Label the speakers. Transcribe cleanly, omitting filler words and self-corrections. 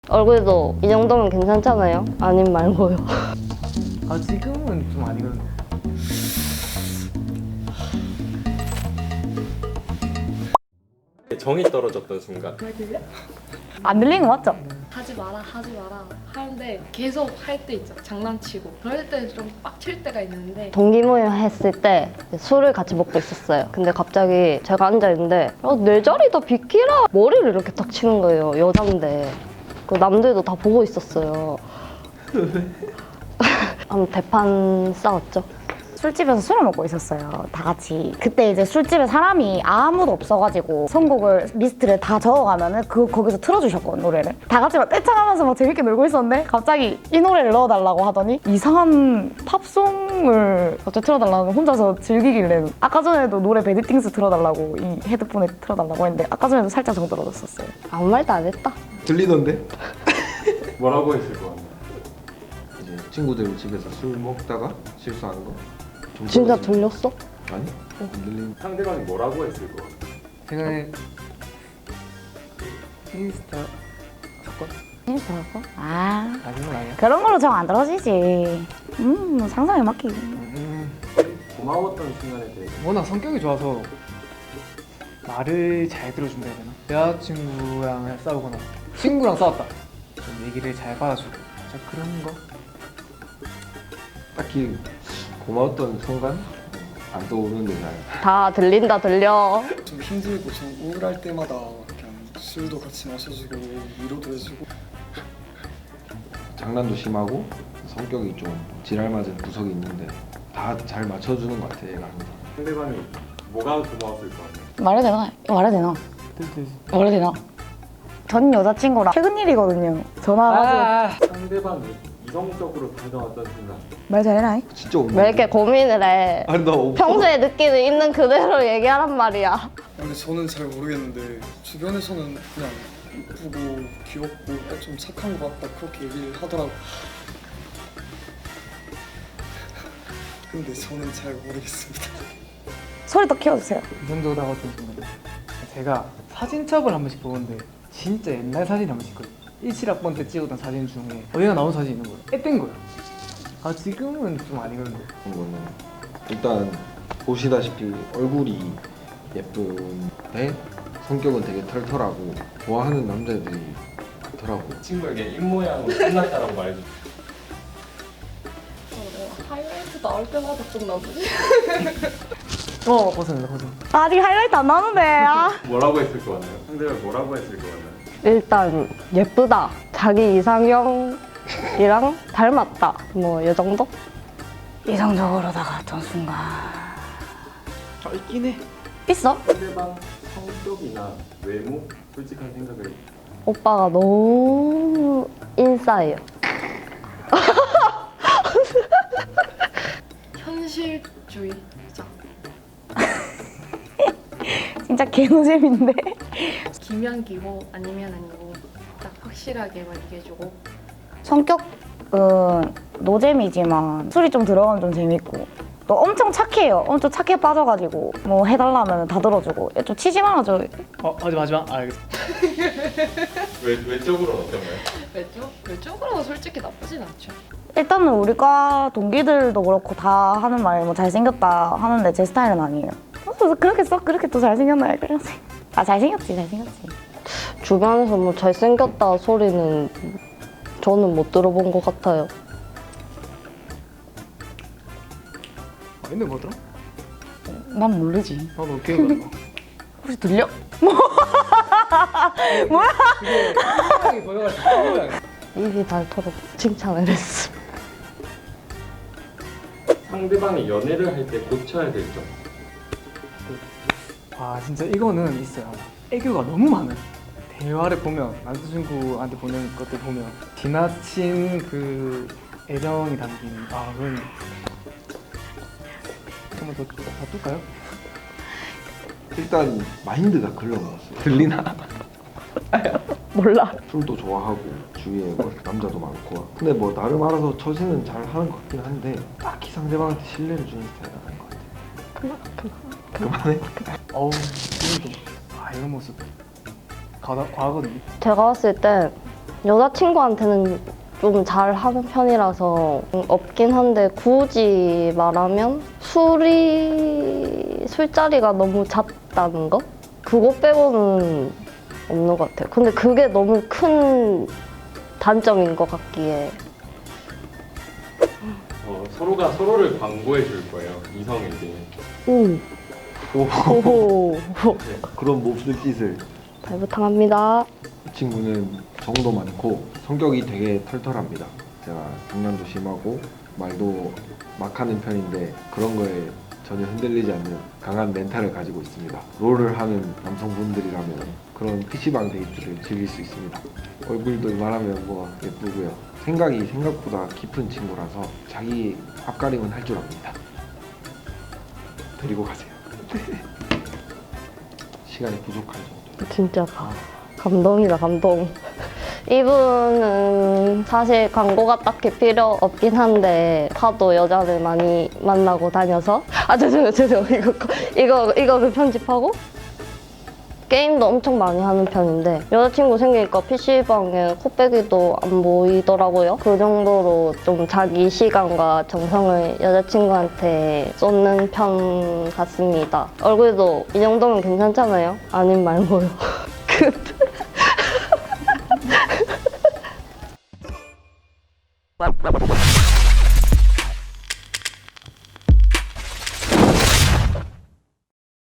Speaker 1: 얼굴도 이 정도면 괜찮잖아요? 아님 말고요.
Speaker 2: 아 지금은 좀 아니거든요.
Speaker 3: 정이 떨어졌던 순간.
Speaker 4: 안 들리는 거 맞죠?
Speaker 5: 하지 마라 하는데 계속 할 때 있죠. 장난치고 그럴 때 좀 빡칠 때가 있는데
Speaker 1: 동기모임 했을 때 술을 같이 먹고 있었어요. 근데 갑자기 제가 앉아있는데 내 자리다 비키라! 머리를 이렇게 탁 치는 거예요. 여잔데. 그 남들도 다 보고 있었어요. 한번 대판 싸웠죠.
Speaker 4: 술집에서 술을 먹고 있었어요. 다 같이. 그때 이제 술집에 사람이 아무도 없어가지고 선곡을 리스트를 다 적어가면은 거기서 틀어주셨거든, 노래를. 다 같이 막 떼창하면서 막 재밌게 놀고 있었는데 갑자기 이 노래를 넣어달라고 하더니 이상한 팝송을 갑자기 틀어달라고 혼자서 즐기길래 아까 전에도 노래 베디띵스 틀어달라고 이 헤드폰에 틀어달라고 했는데 아까 전에도 살짝 정 떨어졌었어요.
Speaker 1: 아무 말도 안 했다.
Speaker 6: 들리던데?
Speaker 3: 뭐라고 했을 것 같나요?
Speaker 6: 이제 친구들 집에서 술 먹다가 실수하는 거? 좀
Speaker 1: 진짜
Speaker 6: 떨어지면.
Speaker 1: 들렸어?
Speaker 6: 아니? 안 들린.
Speaker 3: 상대방이 뭐라고 했을 것 같나요?
Speaker 2: 제가 인스타 사건?
Speaker 4: 인스타라고? 아,
Speaker 2: 아닌 건 아니야.
Speaker 4: 그런 걸로 정 안 떨어지지. 상상에 맡기고.
Speaker 3: 고마웠던 순간에 대해서
Speaker 2: 워낙 성격이 좋아서 말을 잘 들어준다 해야 되나? 여자친구랑 싸우거나 친구랑 싸웠다. 좀 얘기를 잘 받아주고 진짜 그런 거?
Speaker 6: 딱히 고마웠던 순간? 안 떠오르는데 잘.
Speaker 1: 다 들린다 들려.
Speaker 7: 좀 힘들고 좀 우울할 때마다 그냥 술도 같이 마셔주고 위로도 해주고
Speaker 6: 장난도 심하고 성격이 좀 지랄맞은 구석이 있는데 다 잘 맞춰주는 것 같아, 얘가 항상.
Speaker 3: 상대방이 뭐가 고마웠을 것 같나요?
Speaker 4: 말해도 되나? 이거 말해도 되나?
Speaker 2: 됐어.
Speaker 4: 말해도 되나? 전 여자친구랑 최근 일이거든요. 전화가지고
Speaker 3: 상대방이 이성적으로 다가왔던 순간.
Speaker 4: 말 잘해라.
Speaker 6: 진짜 없는.
Speaker 1: 왜 이렇게 고민을 해?
Speaker 6: 아니 나 없어.
Speaker 1: 평소에 느끼는 있는 그대로 얘기하란 말이야.
Speaker 7: 근데 저는 잘 모르겠는데 주변에서는 그냥 이쁘고 귀엽고 좀 착한 것 같다 그렇게 얘기를 하더라고. 근데 저는 잘 모르겠습니다.
Speaker 4: 소리 더 키워주세요.
Speaker 2: 이성적으로 다가왔던 순간 제가 사진첩을 한 번씩 보는데 진짜 옛날 사진 한 번씩 있거든요. 17학번 때 찍었던 사진 중에 얘가 나온 사진이 있는 거예요. 앳된 거예요. 아 지금은 좀 아니거든요.
Speaker 6: 그런 거는 일단 보시다시피 얼굴이 예쁜데 성격은 되게 털털하고 좋아하는 남자들이 많더라고.
Speaker 3: 친구에게 입모양으로 끝났다라고 말해줬어요.
Speaker 5: 하이라이트 나올 때마다 좀 나쁘지?
Speaker 2: 벗어낸다.
Speaker 4: 아직 하이라이트 안 나오는데. 아.
Speaker 3: 뭐라고 했을 것 같나요? 상대방이 뭐라고 했을 것 같나요?
Speaker 1: 일단 예쁘다. 자기 이상형이랑 닮았다. 뭐 이 정도?
Speaker 4: 이성적으로 다가왔던 순간.
Speaker 2: 있긴 해.
Speaker 4: 있어?
Speaker 3: 상대방 성격이나 외모, 솔직한 생각을
Speaker 1: 오빠가 너무 인싸예요.
Speaker 5: 현실주의자.
Speaker 4: 진짜 개노잼인데.
Speaker 5: 기면 기고 아니면 아니고 딱 확실하게만 얘기해주고
Speaker 4: 성격은 노잼이지만 술이 좀 들어가면 좀 재밌고 또 엄청 착해요. 엄청 착해 빠져가지고 뭐 해달라면 다 들어주고 좀 치지 말아줘.
Speaker 2: 하지 마. 알겠어.
Speaker 3: 외적으로는 어떤가요?
Speaker 5: 외적으로 솔직히 나쁘진 않죠.
Speaker 4: 일단은 우리과 동기들도 그렇고 다 하는 말 뭐 잘생겼다 하는데 제 스타일은 아니에요. 그렇게 또 잘생겼나요? 그래서 잘생겼지.
Speaker 1: 주변에서 뭐 잘생겼다 소리는 저는 못 들어본 것 같아요.
Speaker 2: 있는 거더라?
Speaker 4: 난 모르지.
Speaker 2: 나도 기억이 안 나.
Speaker 4: 혹시 들려?
Speaker 2: 생각이 보여가지고
Speaker 1: 입이 닳도록 칭찬을 했어.
Speaker 3: 상대방이 연애를 할 때 고쳐야 될 점.
Speaker 2: 아 진짜 이거는 있어요. 애교가 너무 많아요. 대화를 보면 남자친구한테 보낸 것들 보면 지나친 그 애정이 담긴 그런 한번 더 바꿀까요?
Speaker 6: 일단 마인드가 글러먹었어. 들리나?
Speaker 1: 몰라.
Speaker 6: 술도 좋아하고 주위에 뭐 남자도 많고. 근데 뭐 나름 알아서 처신은 잘 하는 것 같긴 한데 딱히 상대방한테 신뢰를 주는 스타일은 아닌 것 같아. 그만해.
Speaker 2: 어우 지금도 이런 모습 과거든요.
Speaker 1: 제가 봤을 때 여자친구한테는 좀 잘하는 편이라서 없긴 한데 굳이 말하면 술자리가 너무 잦다는 거? 그거 빼고는 없는 것 같아요. 근데 그게 너무 큰 단점인 것 같기에.
Speaker 3: 서로가 서로를 광고해 줄 거예요. 이성에게.
Speaker 1: 오. 오호.
Speaker 6: 그런 몹쓸 짓을.
Speaker 1: 발부탕합니다.
Speaker 6: 이 친구는 정도 많고 성격이 되게 털털합니다. 제가 장난도 심하고 말도 막 하는 편인데 그런 거에 전혀 흔들리지 않는 강한 멘탈을 가지고 있습니다. 롤을 하는 남성분들이라면 그런 PC방 데이트를 즐길 수 있습니다. 얼굴도 이만하면 뭐 예쁘고요. 생각이 생각보다 깊은 친구라서 자기 앞가림은 할 줄 압니다. 데리고 가세요. 시간이 부족할 정도.
Speaker 1: 진짜 감동이다, 감동. 이분은 사실 광고가 딱히 필요 없긴 한데 하도 여자를 많이 만나고 다녀서 죄송해요. 이거 편집하고 게임도 엄청 많이 하는 편인데 여자친구 생기니까 PC방에 코빼기도 안 보이더라고요. 그 정도로 좀 자기 시간과 정성을 여자친구한테 쏟는 편 같습니다. 얼굴도 이 정도면 괜찮잖아요? 아님 말고요. 끝.